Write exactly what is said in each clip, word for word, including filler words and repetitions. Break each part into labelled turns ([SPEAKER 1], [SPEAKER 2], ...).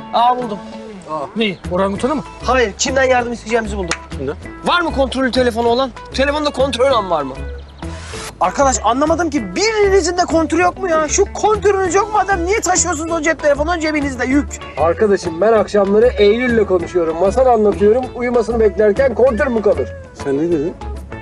[SPEAKER 1] Aa buldum.
[SPEAKER 2] Aa. Neyi? Orangutanı mı?
[SPEAKER 1] Hayır, kimden yardım isteyeceğimizi buldum.
[SPEAKER 2] Kimden?
[SPEAKER 1] Var mı kontrollü telefonu olan? Telefonda kontrol an var mı? Arkadaş anlamadım ki birinizin de kontürü yok mu ya? Şu kontürünüz yok mu adam? Niye taşıyorsunuz o cep telefonunu cebinizde yük?
[SPEAKER 3] Arkadaşım ben akşamları Eylül'le konuşuyorum. Masal anlatıyorum. Uyumasını beklerken kontür mü kalır?
[SPEAKER 4] Sen ne dedin?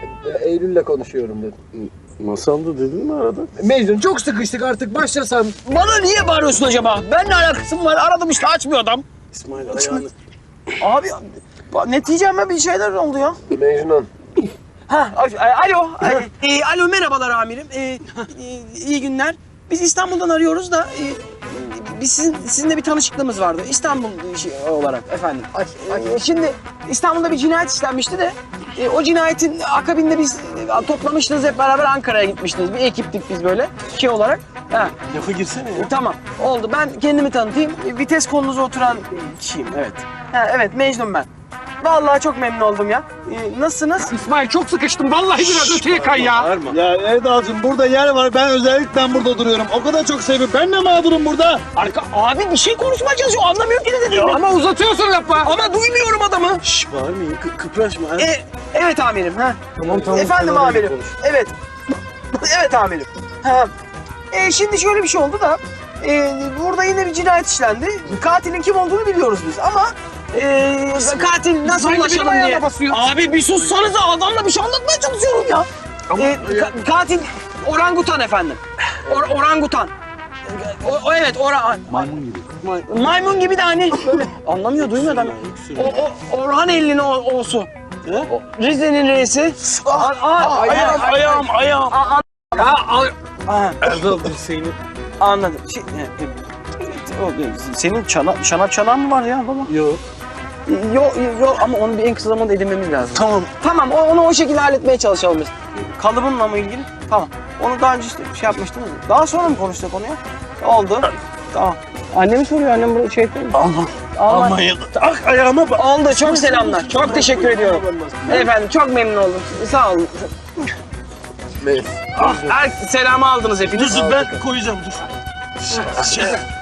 [SPEAKER 3] E, Eylül'le konuşuyorum dedim.
[SPEAKER 4] Masalda dedin mi arada?
[SPEAKER 3] Mecnun çok sıkıştık artık başlasam.
[SPEAKER 1] Bana niye bağırıyorsun acaba? Benimle alakası mı var? Aradım işte açmıyor adam.
[SPEAKER 4] İsmail ayağını.
[SPEAKER 1] Abi neticeme bir şeyler oldu ya.
[SPEAKER 3] Mecnun.
[SPEAKER 1] Ha, alo. E, alo merhabalar amirim. E, e, iyi günler. Biz İstanbul'dan arıyoruz da e, biz sizin sizinle bir tanışıklığımız vardı. İstanbul işi olarak efendim. E, şimdi İstanbul'da bir cinayet işlenmişti de e, o cinayetin akabinde biz e, toplamıştınız hep beraber Ankara'ya gitmiştiniz. Bir ekiptik biz böyle şey olarak. Ha.
[SPEAKER 4] Lafa girsene ya.
[SPEAKER 1] E, tamam oldu. Ben kendimi tanıtayım. E, vites kolunuza oturan kişiyim evet. Ha, evet Mecnun ben. Vallahi çok memnun oldum ya. Ee, nasılsınız?
[SPEAKER 2] İsmail çok sıkıştım. Vallahi biraz öteye kay ya.
[SPEAKER 4] Bağırma.
[SPEAKER 5] Ya Erdal'cığım burada yer var. Ben özellikle burada duruyorum. O kadar çok seviyorum. Ben de mağdurum burada.
[SPEAKER 1] Arka, abi bir şey konuşmaya çalışıyor. Anlamıyor ki ne dediğini.
[SPEAKER 2] Ama uzatıyorsun lafı.
[SPEAKER 1] Ama duymuyorum adamı.
[SPEAKER 4] Şşş bağırmayın. Kı kıpraşma. Ha?
[SPEAKER 1] E, evet amirim. Ha.
[SPEAKER 3] Tamam tamam.
[SPEAKER 1] Efendim
[SPEAKER 3] sen
[SPEAKER 1] amirim.
[SPEAKER 3] konuş.
[SPEAKER 1] Evet. Evet amirim. Ha. E, şimdi şöyle bir şey oldu da e, burada yine bir cinayet işlendi. Katilin kim olduğunu biliyoruz biz ama e, katil nasıl
[SPEAKER 2] İsmail
[SPEAKER 1] ulaşalım
[SPEAKER 2] benim
[SPEAKER 1] diye.
[SPEAKER 2] ayağıma basıyor.
[SPEAKER 1] Abi bir sussanıza adamla bir şey anlatmaya çalışıyorum ya. E, ka- katil orangutan efendim. Or- orangutan. O, o evet oran. Maymun gibi. Maymun gibi de hani böyle anlamıyor duymuyor adam. O, o Orhan Elli'nin o, osu. O, Rize'nin reisi. Ah, ah,
[SPEAKER 4] Ayağım, ayağım, ayağım.
[SPEAKER 1] Ah,
[SPEAKER 2] Ya al.
[SPEAKER 1] ah,
[SPEAKER 4] Erdal seni.
[SPEAKER 1] anladım. Şey, e, e, o, e, senin çana, çanak çanağın mı var ya baba?
[SPEAKER 4] Yok.
[SPEAKER 1] Yok yok ama onu bir en kısa zamanda edinmemiz lazım.
[SPEAKER 4] Tamam.
[SPEAKER 1] Tamam o- onu o şekilde halletmeye çalışalım biz. Kalıbınla mı ilgili? Tamam. Onu daha önce işte şey yapmıştınız. Daha sonra mı konuştuk onu ya? Oldu. Tamam. Annemi soruyor annem bunu şey yapıyor mu?
[SPEAKER 4] Allah.
[SPEAKER 1] Allah.
[SPEAKER 4] Almanya'da. Ah ayağıma bak.
[SPEAKER 1] Oldu çok selamlar. Çok teşekkür ediyorum. Efendim çok memnun oldum. Sağ olun.
[SPEAKER 3] Mecnun.
[SPEAKER 1] Ah, her selamı aldınız hepiniz.
[SPEAKER 4] Dur dur ben koyacağım dur. Şey,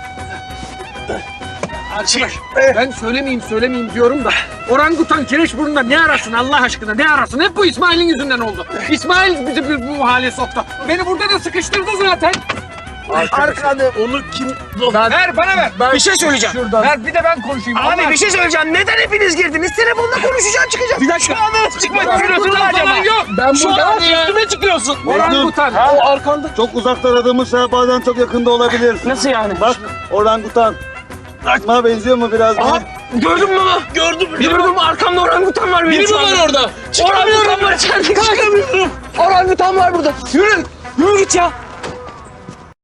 [SPEAKER 2] Arkadaş ben söylemeyeyim söylemeyeyim diyorum da orangutan Kireçburnu'nda ne arasın Allah aşkına ne arasın? Hep bu İsmail'in yüzünden oldu. İsmail bizi bu, bu hale soktu. Beni burada da sıkıştırdı zaten.
[SPEAKER 1] Arkada.
[SPEAKER 4] onu kim...
[SPEAKER 2] Ver bana ver.
[SPEAKER 1] Bir şey söyleyeceğim.
[SPEAKER 3] Şuradan.
[SPEAKER 2] Ver bir de ben konuşayım.
[SPEAKER 1] Abi
[SPEAKER 2] Allah
[SPEAKER 1] bir şey söyleyeceğim. Neden hepiniz girdiniz? Telefonla konuşacağım çıkacağım. Bir dakika. Şu anda çıkmak istiyorsun
[SPEAKER 2] Orangutan
[SPEAKER 1] acaba?
[SPEAKER 2] falan yok.
[SPEAKER 3] Ben
[SPEAKER 1] Şu
[SPEAKER 3] burada
[SPEAKER 1] anda üstüme çıkıyorsun.
[SPEAKER 2] Orangutan.
[SPEAKER 1] O arkanda.
[SPEAKER 5] Çok uzakta aradığımız şey bazen çok yakında olabilir.
[SPEAKER 1] Nasıl yani?
[SPEAKER 5] Bak orangutan. Bana benziyor mu biraz?
[SPEAKER 1] Aha, gördün mü baba?
[SPEAKER 4] Gördüm.
[SPEAKER 1] Gördün mü? Arkamda orangutan var benim
[SPEAKER 4] Biri mi
[SPEAKER 1] şu anda.
[SPEAKER 4] var orada?
[SPEAKER 1] Orangutan var içeride. Çıkamıyorum. Orangutan var burada. Yürü. Yürü git ya.